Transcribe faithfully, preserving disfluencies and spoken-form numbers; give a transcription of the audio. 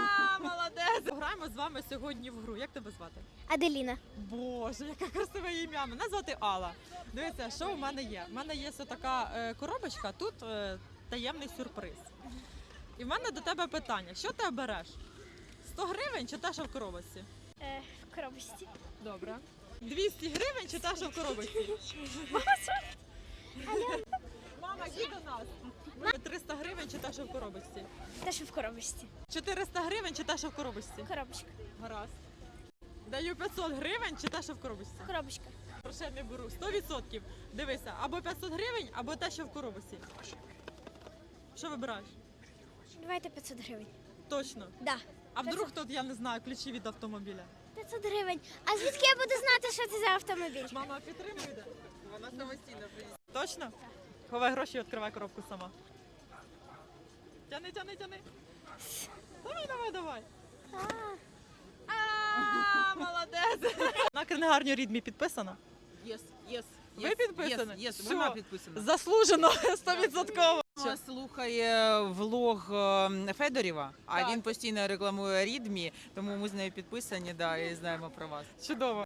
А, молодець! Граємо з вами сьогодні в гру. Як тебе звати? Аделіна. Боже, яке красиве ім'я. Мене звати Алла. Дивіться, що у мене є. У мене є ось така е, коробочка, тут е, таємний сюрприз. І в мене до тебе питання. Що ти береш? сто гривень чи те, що в коробочці? Е, в коробочці. Добре. двісті гривень чи те, що в коробочці? Мама, йди до нас. триста гривень чи те, що в коробочці? Те, що в коробочці. чотириста гривень чи те, що в коробочці? Коробочка. Гаразд. Даю п'ятсот гривень чи те, що в коробочці? Коробочка. Грошей не беру. сто відсотків. Дивися, або п'ятсот гривень, або те, що в коробочці. Що вибираєш? Давайте п'ятсот гривень. Точно. Да. А вдруг тут, я не знаю, ключі від автомобіля? п'ятсот гривень. А звідки я буду знати, що це за автомобіль? Мама підтримує? Вона самостійно приїде. Точно? Ховай гроші і відкривай коробку сама. Тяни, тяни, тяни. Давай, давай, давай. А, А, молодець. На книгарню Рідмі підписано? Єс, єс. Ви підписані? Єс, Все. вона підписана. Заслужено, сто відсотків. Вона слухає влог е, Федорєва, а Так. він постійно рекламує Рідмі, тому ми з нею підписані, да, і знаємо про вас. Чудово.